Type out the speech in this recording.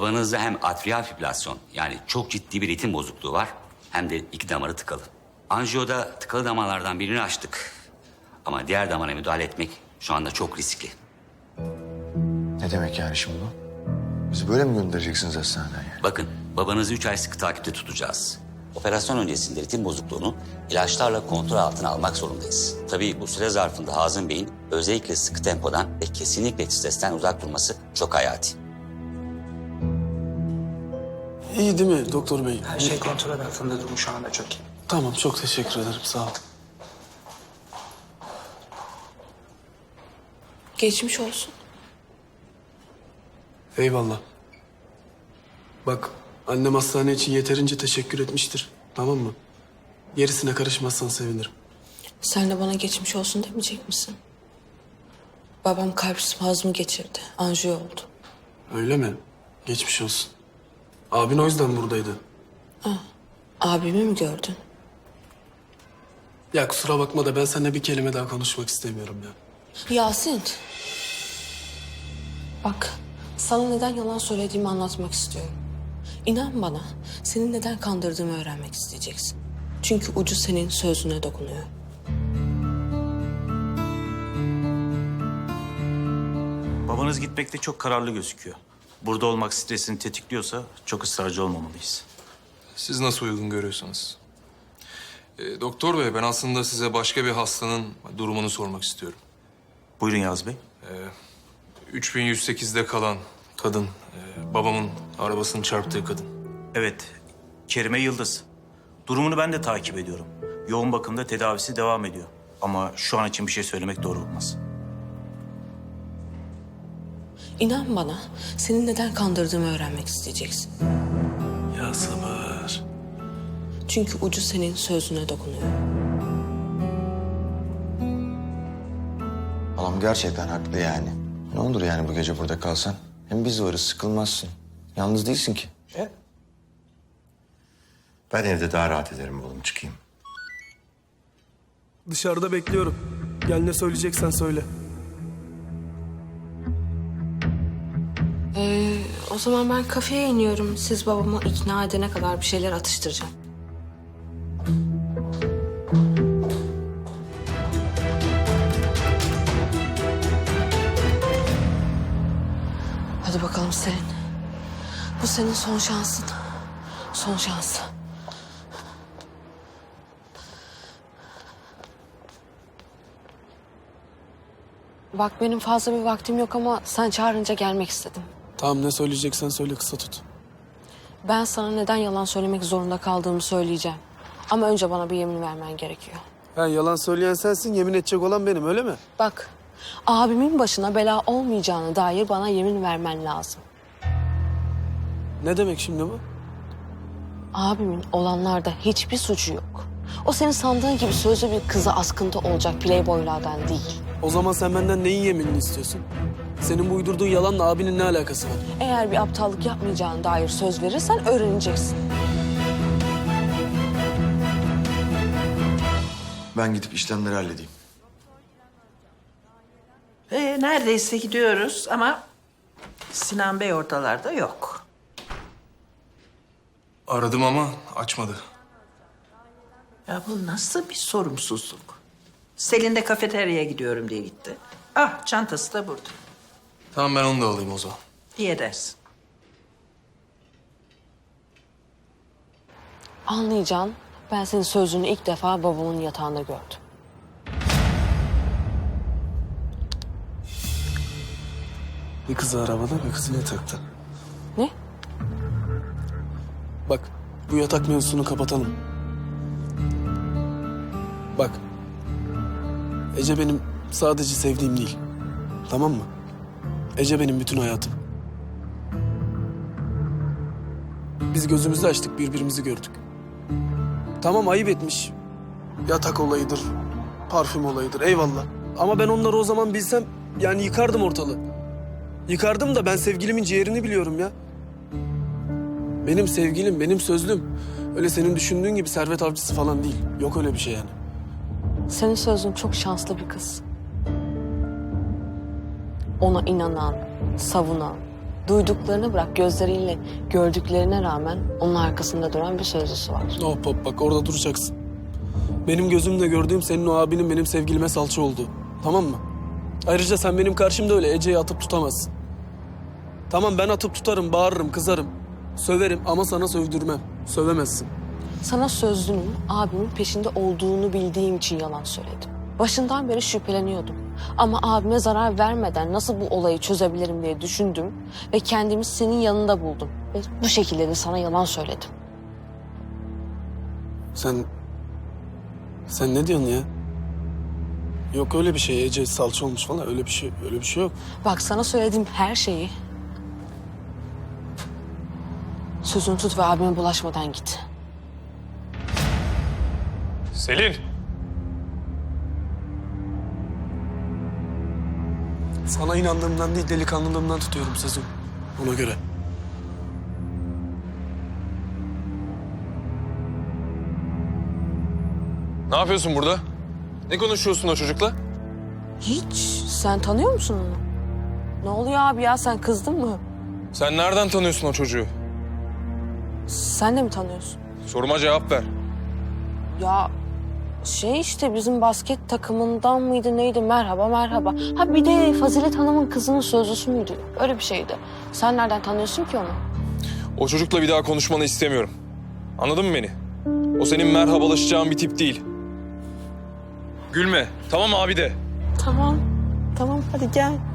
Babanızda hem atrial fibrilasyon yani çok ciddi bir ritim bozukluğu var hem de iki damarı tıkalı. Anjiyoda tıkalı damarlardan birini açtık. Ama diğer damara müdahale etmek şu anda çok riskli. Ne demek yani şimdi bu? Bizi böyle mi göndereceksiniz hastaneden yani? Bakın babanızı 3 ay sıkı takipte tutacağız. Operasyon öncesinde ritim bozukluğunu ilaçlarla kontrol altına almak zorundayız. Tabii bu süre zarfında Hazım Bey'in özellikle sıkı tempodan ve kesinlikle stresten uzak durması çok hayati. İyi değil mi doktor bey? Her şey kontrol altında, durum şu anda çok iyi. Tamam, çok teşekkür ederim, sağ ol. Geçmiş olsun. Eyvallah. Bak, annem hastane için yeterince teşekkür etmiştir, tamam mı? Gerisine karışmazsan sevinirim. Sen de bana geçmiş olsun demeyecek misin? Babam kalp spazmı geçirdi. Anjiyo oldu. Öyle mi? Geçmiş olsun. Abin o yüzden buradaydı. Abimi mi gördün? Ya kusura bakma da ben seninle bir kelime daha konuşmak istemiyorum ya. Yasin. Bak, sana neden yalan söylediğimi anlatmak istiyorum. İnan bana, seni neden kandırdığımı öğrenmek isteyeceksin. Çünkü ucu senin sözüne dokunuyor. Babanız gitmekte çok kararlı gözüküyor. Burada olmak stresini tetikliyorsa çok ısrarcı olmamalıyız. Siz nasıl uygun görüyorsanız. Doktor bey, ben aslında size başka bir hastanın durumunu sormak istiyorum. Buyurun Yaz Bey. 3108'de kalan kadın, babamın arabasını çarptığı kadın. Evet, Kerime Yıldız. Durumunu ben de takip ediyorum. Yoğun bakımda tedavisi devam ediyor. Ama şu an için bir şey söylemek doğru olmaz. İnan bana, seni neden kandırdığımı öğrenmek isteyeceksin. Ya sabır. Çünkü ucu senin sözüne dokunuyor. Halam gerçekten haklı yani. Ne olur yani bu gece burada kalsan. Hem biz varız, sıkılmazsın. Yalnız değilsin ki. Ben evde daha rahat ederim oğlum, çıkayım. Dışarıda bekliyorum. Gel ne söyleyeceksen söyle. O zaman ben kafeye iniyorum. Siz babamı ikna edene kadar bir şeyler atıştıracağım. Hadi bakalım Selin. Bu senin son şansın. Son şans. Bak benim fazla bir vaktim yok ama sen çağırınca gelmek istedim. Tamam, ne söyleyeceksen söyle, kısa tut. Ben sana neden yalan söylemek zorunda kaldığımı söyleyeceğim. Ama önce bana bir yemin vermen gerekiyor. Ha, yalan söyleyen sensin, yemin edecek olan benim, öyle mi? Bak, abimin başına bela olmayacağına dair bana yemin vermen lazım. Ne demek şimdi bu? Abimin olanlarda hiçbir suçu yok. O senin sandığın gibi sözlü bir kıza askıntı olacak playboylardan değil. O zaman sen benden neyin yeminini istiyorsun? Senin bu uydurduğun yalanla abinin ne alakası var? Eğer bir aptallık yapmayacağına dair söz verirsen öğreneceksin. Ben gidip işlemleri halledeyim. Neredeyse gidiyoruz ama Sinan Bey ortalarda yok. Aradım ama açmadı. Ya bu nasıl bir sorumsuzluk? Selin de kafeteryaya gidiyorum diye gitti. Ah, çantası da burada. Tamam, ben onu da alayım o zaman. İyi edersin. Anlayacaksın, ben senin sözünü ilk defa babamın yatağında gördüm. Bir kızı arabada, bir kızı yatakta. Ne? Bak, bu yatak mevzusunu kapatalım. Bak, Ece benim sadece sevdiğim değil. Tamam mı? Ece benim bütün hayatım. Biz gözümüzü açtık, birbirimizi gördük. Tamam, ayıp etmiş. Yatak olayıdır, parfüm olayıdır, eyvallah. Ama ben onları o zaman bilsem, yani yıkardım ortalığı. Yıkardım da ben sevgilimin ciğerini biliyorum ya. Benim sevgilim, benim sözlüm. Öyle senin düşündüğün gibi servet avcısı falan değil. Yok öyle bir şey yani. Senin sözün çok şanslı bir kız. Ona inanan, savunan, Duyduklarını bırak, gözleriyle gördüklerine rağmen onun arkasında duran bir sözlüsü var. Hop hop bak orada duracaksın. Benim gözümle gördüğüm senin o abinin benim sevgilime salça olduğu. Tamam mı? Ayrıca sen benim karşımda öyle Ece'yi atıp tutamazsın. Tamam ben atıp tutarım, bağırırım, kızarım. Söverim ama sana sövdürmem. Sövemezsin. Sana sözlünün abimin peşinde olduğunu bildiğim için yalan söyledim. Başından beri şüpheleniyordum. Ama abime zarar vermeden nasıl bu olayı çözebilirim diye düşündüm ve kendimi senin yanında buldum. Ve bu şekilde de sana yalan söyledim. Sen ne diyorsun ya? Yok öyle bir şey. Ece salça olmuş falan öyle bir şey yok. Bak sana söylediğim her şeyi sözünü tut ve abime bulaşmadan git. Selin! Sana inandığımdan değil delikanlılığımdan tutuyorum sözüm. Ona göre. Ne yapıyorsun burada? Ne konuşuyorsun o çocukla? Hiç. Sen tanıyor musun onu? Ne oluyor abi ya, sen kızdın mı? Sen nereden tanıyorsun o çocuğu? Sen de mi tanıyorsun? Soruma cevap ver. Ya işte bizim basket takımından mıydı neydi? Merhaba. Ha bir de Fazilet Hanım'ın kızının sözlüsü müydü? Öyle bir şeydi. Sen nereden tanıyorsun ki onu? O çocukla bir daha konuşmanı istemiyorum. Anladın mı beni? O senin merhabalaşacağın bir tip değil. Gülme. Tamam abi de. Tamam hadi gel.